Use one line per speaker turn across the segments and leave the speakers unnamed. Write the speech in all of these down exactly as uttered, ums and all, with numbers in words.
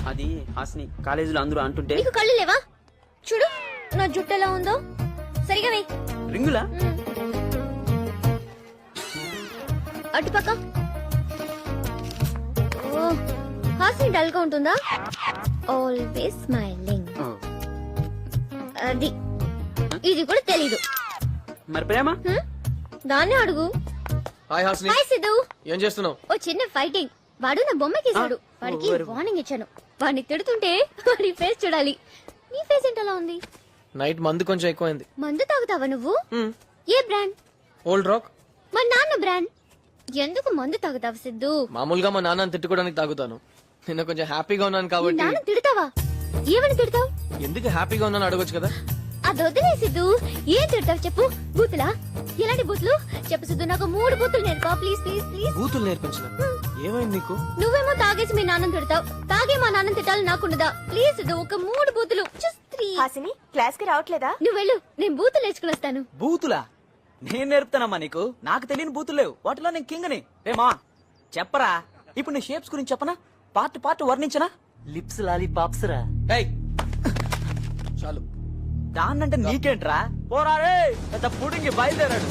అది హాస్ని కాలేజీలో అందరూ అంటుంటే
నీకు కళ్ళు లేవా? చూడు నా జుట్టు ఎలా ఉందో. సరిగా వెయ్యి.
రింగులా
అటుపక్క. ఓ, హాస్ని డల్ గా ఉంటుందా? Always smiling. అది ఇది కూడా తెలీదు.
మరి ప్రేమ
హ్మ్? దాన్నే అడుగు.
Hi Hasni,
hi Siddhu.
ఏం చేస్తున్నావు?
ఓ చిన్న ఫైటింగ్. వాడు నా బొమ్మకేసాడు.
ఆ,
వాడికి
ఓ, వెరీ గుడ్.
వార్నింగ్ ఇచ్చాను. వాడిని తిడుతుంటే వాడి ఫేస్ చూడాలి. నీ ఫేస్ ఏంటలా ఉంది?
నైట్ మందు కొంచెం ఎక్కువైంది.
మందు తాగుతావా నువ్వు? ఏ బ్రాండ్?
Old rock.
మా నాన్న బ్రాండ్. ఎందుకు మందు తాగుతావు సిద్ధు?
మామూలుగా మా నాన్నని తిట్టుకోవడానికి తాగుతాను. నిన్న కొంచెం హ్యాపీగా ఉన్నాను
మీ
కాబట్టి.
నాన్న తిడతావా? ఏమని తిడతావు?
ఎందుకు హ్యాపీగా ఉన్నాను అడగొచ్చు కదా.
అది వదిలే సిద్ధు. ఏం తిడతావు చెప్పు. బూతులా? ఎలాంటి బూతులు చెప్పు సిద్ధు. నాకు మూడు బూతులు నేర్పా ప్లీజ్ ప్లీజ్ ప్లీజ్.
బూతులు నేర్పించిన ఏమైంది నీకు?
నువ్వేమో తాగేసి మీ నాన్నని తిడతావు. తాగే మా నాన్నని తిట్టాలి నాకుండదా? ప్లీజ్ సిద్ధు, ఒక మూడు బూతులు. Just three.
హాసిని క్లాస్ కి రావట్లేదా?
నువ్వు వెళ్ళు, నేను బూతులు నేర్చుకుని వస్తాను.
బూతులా? నేను నేర్పుతానమ్మా నీకు. నాకు తెలియని బూతులు లేవు. వాటిలో నేను కింగ్ని. రేమా చెప్పరా. ఇప్పుడు నీ షేప్స్ గురించి చెప్పనా? పార్ట్ పార్ట్ వర్ణించనా? లిప్స్ లాలీ పాప్స్ రా.
ఏయ్, చాలు.
దాన్నంటే నీకేంట్రా? పోరా రే, పెద్ద పుడింగి బయలుదేరాడు.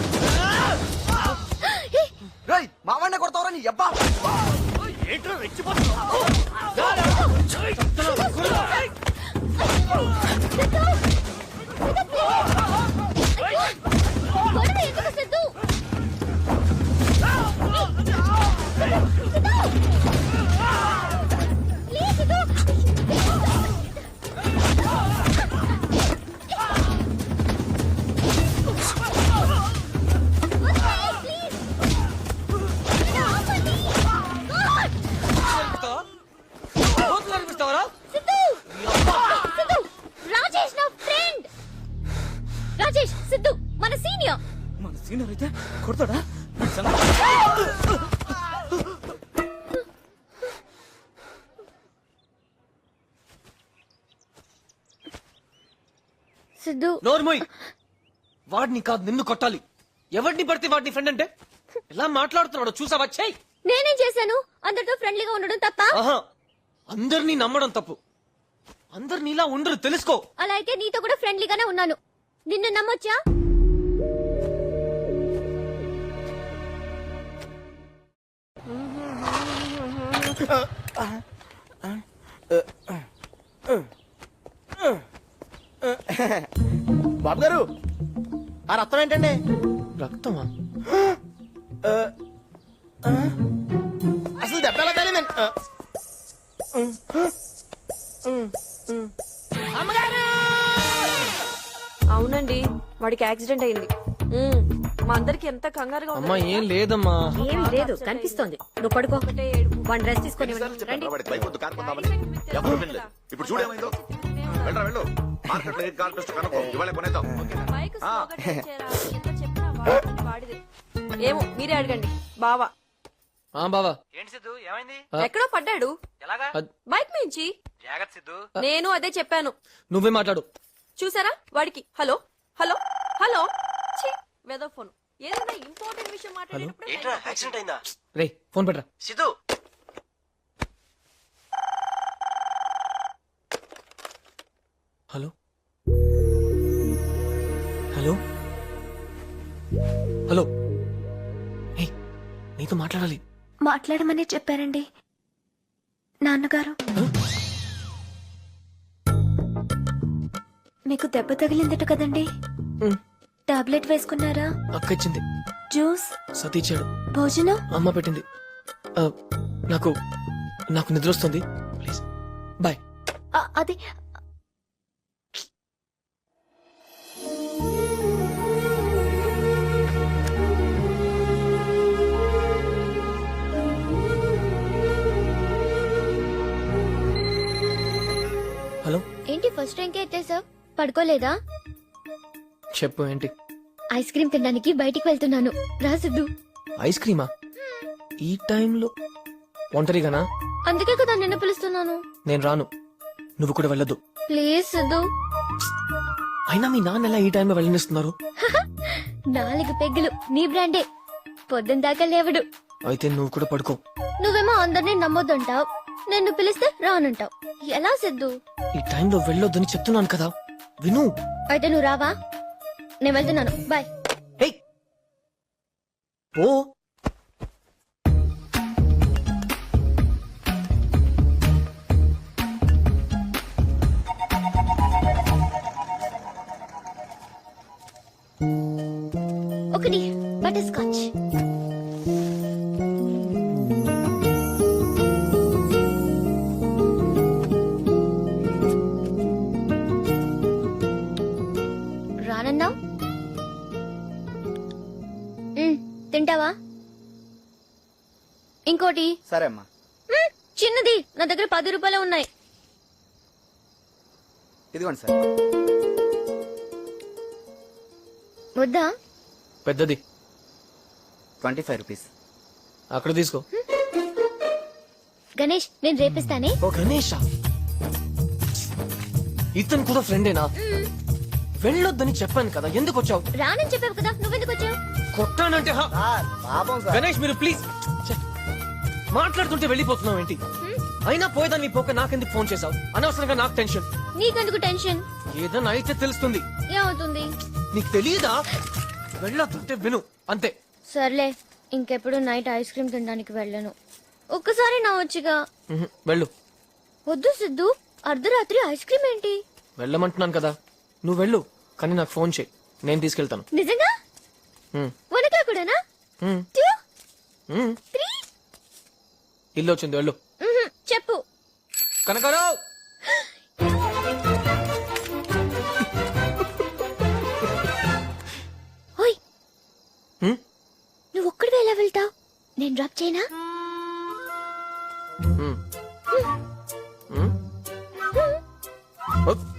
మావాడిని కొడతావరా నీ అబ్బా?
గొడవ ఎందుకు సిద్ధు? ప్లీజ్ సిద్ధు.
బూతులు నేర్పిస్తావరా?
సిద్ధు! సిద్ధు! రాజేష్ నా ఫ్రెండ్. రాజేష్ సిద్ధు మన సీనియర్.
మన సీనియర్ అయితే కొడతాడా?
సిద్ధు
నోర్మోయ్, వాడిని కాదు నిన్ను కొట్టాలి. ఎవరిని పడితే వాడిని ఫ్రెండ్ అంటే ఎలా మాట్లాడుతున్నాడు చూసావా? చెయ్.
నేనేం చేశాను? అందరితో ఫ్రెండ్లీగా ఉండడం తప్ప?
ఆహా, అందరినీ నమ్మడం తప్పు. అందరు నీలా ఉండరు, తెలుసుకో.
అలా అయితే నీతో కూడా ఫ్రెండ్లీగానే ఉన్నాను. నిన్ను నమ్మొచ్చా?
బాబు గారు, ఆ రక్తం ఏంటండి?
రక్తమా?
అసలు దెబ్బ ఎలా తగిలిందండి?
అవునండి, వాడికి యాక్సిడెంట్ అయింది. ఉమ్, మా అందరికి ఎంత కంగారుగా
అమ్మా ఏం లేదమ్మా.
ఏమీ లేదు, కనిపిస్తోంది. నువ్వు పడుకో. వన్ డ్రెస్ తీసుకొని రండి.
ఎవరు వినలేదు. ఇప్పుడు చూడేమైందో. వెళ్ళరా వెళ్ళు. మార్కెట్ లో కార్ టెస్ట్ కనుక్కో. ఇవాళ కొనేద్దాం.
ఏమో మీరే అడగండి. బావా
ఆ బావా,
ఏంటి సిద్ధు ఏమైంది?
ఎక్కడో పడ్డాడు
ఎలాగా?
అద్-
బైక్ మించి.
జాగ్రత్త సిద్ధు.
నేను అదే చెప్పాను.
నువ్వే మాట్లాడు.
చూసారా వాడికి హలో హలో హలో వెదో ఫోన్. ఏదైనా ఇంపార్టెంట్ విషయం మాట్లాడేటప్పుడు
యాక్సిడెంట్ అయిందా?
రే ఫోన్ పెట్టరా.
Siddhu
hello hello hello. ఏ నీతో మాట్లాడాలి.
మాట్లాడమని చెప్పారండి నాన్నగారు. మీకు దెబ్బ తగిలిందట కదండి?
ఉమ్,
టాబ్లెట్ వేసుకున్నారా?
అక్క ఇచ్చింది.
జ్యూస్,
సతీచ్చాడు.
భోజనం?
అమ్మ పెట్టింది. ఆ, నాకు నాకు నిద్ర వస్తుంది. Please bye.
ఆ, అది
హలో.
ఏంటి ఫస్ట్ ర్యాంకే ఎత్తేసావ్? పడుకోలేదా?
చెప్పు ఏంటి?
ఐస్ క్రీమ్ తినడానికి బయటికి వెళ్తున్నాను. రా సిద్ధు.
ఐస్ క్రీమా? ఈ టైంలో ఒంటరిగానా?
అందుకే కదా నిన్ను పిలుస్తున్నాను.
నేను రాను, నువ్వు కూడా వెళ్ళొద్దు.
ప్లీజ్ సిద్ధు.
అయినా మీ నాన్న ఎలా ఈ టైంలో వెళ్ళనిస్తున్నారు?
నాలుగు పెగ్గులు నీ బ్రాండే. పొద్దున దాకా లేవడు.
అయితే నువ్వు కూడా పడుకో.
నువ్వేమో అందరినీ నమ్మొద్దంటావు. నిన్ను పిలిస్తే రానంటావు. ఎలా సిద్ధు?
ఈ టైంలో వెళ్ళొద్దని చెప్తున్నాను కదా విను.
అయితే నువ్వు రావా? నేను వెళ్తున్నాను, బాయ్.
ఏయ్ ఓ
ఒకటి బటర్ స్కాచ్. రానన్నావు, మ్, తింటావా? ఇంకోటి.
సరే అమ్మా.
మ్, చిన్నది, నా దగ్గర పది రూపాయలు ఉన్నాయి.
ఇదిగోండి సార్.
వద్దా?
పెద్దది
ట్వంటీ ఫైవ్ రూపీస్.
అక్కడ తీసుకో.
గణేష్, నేను రేపిస్తానే.
ఓ గణేష, ఇతను కూడా ఫ్రెండేనా? వెళ్ళొద్దని చెప్పాను కదా, ఎందుకు వచ్చావు?
రానని చెప్పావు కదా, నువ్వెందుకు వచ్చావు?
కొట్టానంటే హా.
సార్ పాపం సార్.
గణేష్ మీరు ప్లీజ్. ఛే, మాట్లాడుతుంటే వెళ్ళిపోతున్నావు ఏంటి? అయినా పోయేదాన్ని పోక నాకెందుకు ఫోన్ చేసావు? అనవసరంగా నాకు టెన్షన్.
నీకెందుకు టెన్షన్?
ఏదైనా అయితే తెలుస్తుంది.
ఏమవుతుంది?
నీకు తెలియదా? వెళ్ళొద్దంటే విను అంతే.
సర్లే, ఇంకెప్పుడు నైట్ ఐస్ క్రీమ్ తినడానికి వెళ్ళను. ఒక్కసారి నా వచ్చిగా.
ఉహు, వెళ్ళు.
వద్దు సిద్ధు, అర్ధరాత్రి ఐస్ క్రీమ్ ఏంటి?
వెళ్ళమంటున్నాను కదా, నువ్వు వెళ్ళు. కానీ నాకు ఫోన్ చేయి, నేను తీసుకెళ్తాను.
నిజంగా?
ఉమ్,
వన్ ఓ క్లాక్ కూడానా?
Um,
two,
um.
త్రీ?
ఇల్లు వచ్చింది, వెళ్ళు.
మ్హూ, చెప్పు.
కనకారావు.
ఓయ్,
ఉమ్,
నువ్వు ఒక్కడివే ఎలా వెళ్తావు? నేను డ్రాప్ చేయనా?
ఉమ్. ఉమ్. ఓ,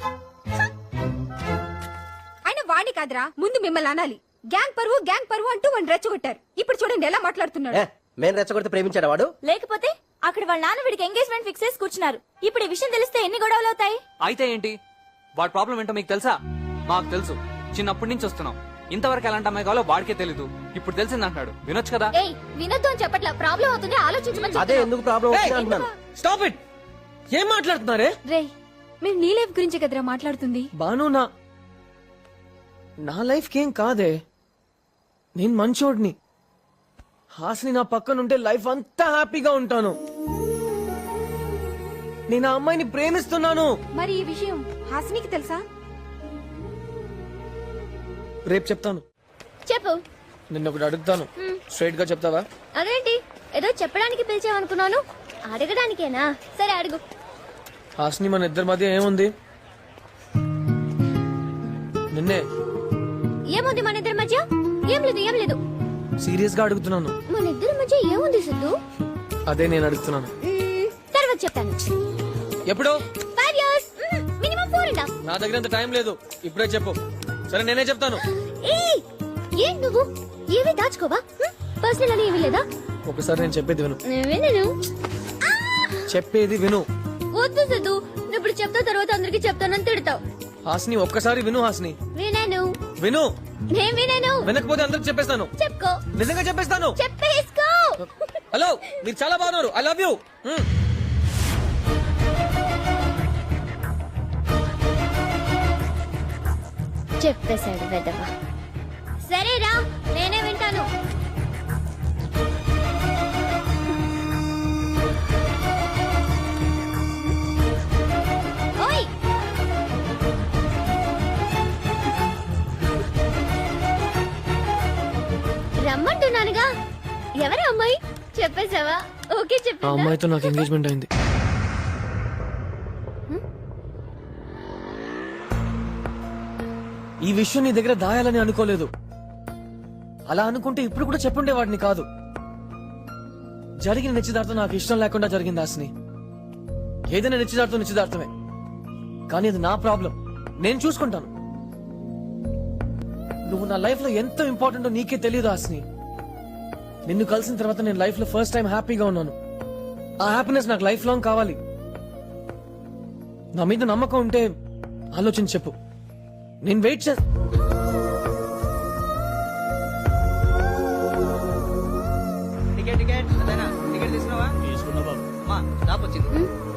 ఆయన వాణ్ణి కాదురా, ముందు మిమ్మల్ని అనాలి. గ్యాంగ్ పరువు గ్యాంగ్ పరువు అంటూ వాడిని రెచ్చగొట్టారు. ఇప్పుడు చూడండి ఎలా మాట్లాడుతున్నాడు.
మేము రెచ్చగొడితే ప్రేమించాడు వాడు.
లేకపోతే అక్కడ వాళ్ళ నాన్న వీడికి ఎంగేజ్మెంట్ ఫిక్స్ చేసి కూర్చున్నారు. ఇప్పుడు ఈ విషయం తెలిస్తే ఎన్ని గొడవలు అవుతాయి?
అయితే ఏంటి? వాడి ప్రాబ్లం ఏంటో మీకు తెలుసా? మాకు తెలుసు, చిన్నప్పటి నుంచి వస్తున్నాం. ఇంతవరకు ఎలాంటి అమ్మాయి కావాలో వాడికే తెలీదు. ఇప్పుడు తెలిసింది అంటున్నాడు, వినొచ్చు కదా.
ఏయ్, వినొద్దు అని చెప్పట్లా, ప్రాబ్లం అవుతుంది, ఆలోచించమని
అదే
చెప్తున్నా.
ఎందుకు ప్రాబ్లం
ఏయ్,
అంటున్నాను.
Stop it. ఏం మాట్లాడుతున్నారే?
రే, మేము నీ లైఫ్ గురించే కదరా మాట్లాడుతుంది.
బాను, నా నా లైఫ్ కేం కాదే. నేను మంచోడిని. హాసిని నా పక్కనుంటే లైఫ్ అంతా హ్యాపీగా ఉంటాను. నేను ఆ అమ్మాయిని ప్రేమిస్తున్నాను.
మరి ఈ విషయం హాసినికి తెలుసా?
రేపు చెప్తాను.
చెప్పు.
నిన్న ఒకటి అడుగుతాను, స్ట్రైట్ గా చెప్తావా?
అదేంటి, ఏదో చెప్పడానికి పిలిచావనుకున్నాను, అడగడానికేనా? సరే అడుగు.
హాసిని, మన ఇద్దరి మధ్య ఏముంది? నిన్నే.
ఏముంది మన ఇద్దరి మధ్య? ఏం లేదు, ఏం లేదు.
సీరియస్ గా అడుగుతున్నాను.
మన ఇద్దరి మధ్య ఏముంది సిద్ధు?
అదే నేను అడుగుతున్నాను.
మ్మ్, తర్వాత చెప్తాను.
ఎప్పుడు?
Five years, minimum four and half.
నా దగ్గర అంత టైం లేదు, ఇప్పుడే చెప్పు. సరే, నేనే చెప్తాను.
ఏయ్, ఏం నువ్వు ఏవి దాచుకోవా? పర్సనల్ అని ఏమీ లేదా?
ఒకసారి నేను చెప్పేది విను.
వినను.
చెప్పేది విను.
వద్దు సిద్ధు, నువ్వు ఇప్పుడు చెప్తా, తర్వాత అందరికి చెప్తానని తిడతావు.
హాసిని, ఒక్కసారి విను. హాసిని,
వినను.
విను.
నేను వినను.
వినకపోతే అందరికి చెప్పేస్తాను.
చెప్పుకో.
నిజంగా చెప్పేస్తాను.
చెప్పేసుకో.
హలో, మీరు చాలా బాగున్నారు. I love you.
చెప్పేశాడు వెదవా. సరేరా, నేనే వింటాను. ఓయ్, రమ్మంటున్నానుగా. ఎవరు అమ్మాయి? చెప్పేశావా? ఓకే
ఆ
చెప్పా.
అమ్మాయితో నాకు ఎంగేజ్మెంట్ అయింది. ఈ విషయం నీ దగ్గర దాయాలని అనుకోలేదు. అలా అనుకుంటే ఇప్పుడు కూడా చెప్పుండేవాడిని కాదు. జరిగిన నిశ్చితార్థం నాకు ఇష్టం లేకుండా జరిగింది హాసిని. ఏదైనా నిశ్చితార్థం నిశ్చితార్థమే, కానీ అది నా ప్రాబ్లం, నేను చూసుకుంటాను. నువ్వు నా లైఫ్ లో ఎంత ఇంపార్టెంటో నీకే తెలియదు హాసిని. నిన్ను కలిసిన తర్వాత నేను లైఫ్ లో ఫస్ట్ టైం హ్యాపీగా ఉన్నాను. ఆ హ్యాపీనెస్ నాకు లైఫ్ లాంగ్ కావాలి. నా మీద నమ్మకం ఉంటే ఆలోచించి చెప్పు. నేను వెయిట్ చే
టికెట్ టికెట్ టికెట్ తీసుకున్నావా? స్టాప్ వచ్చింది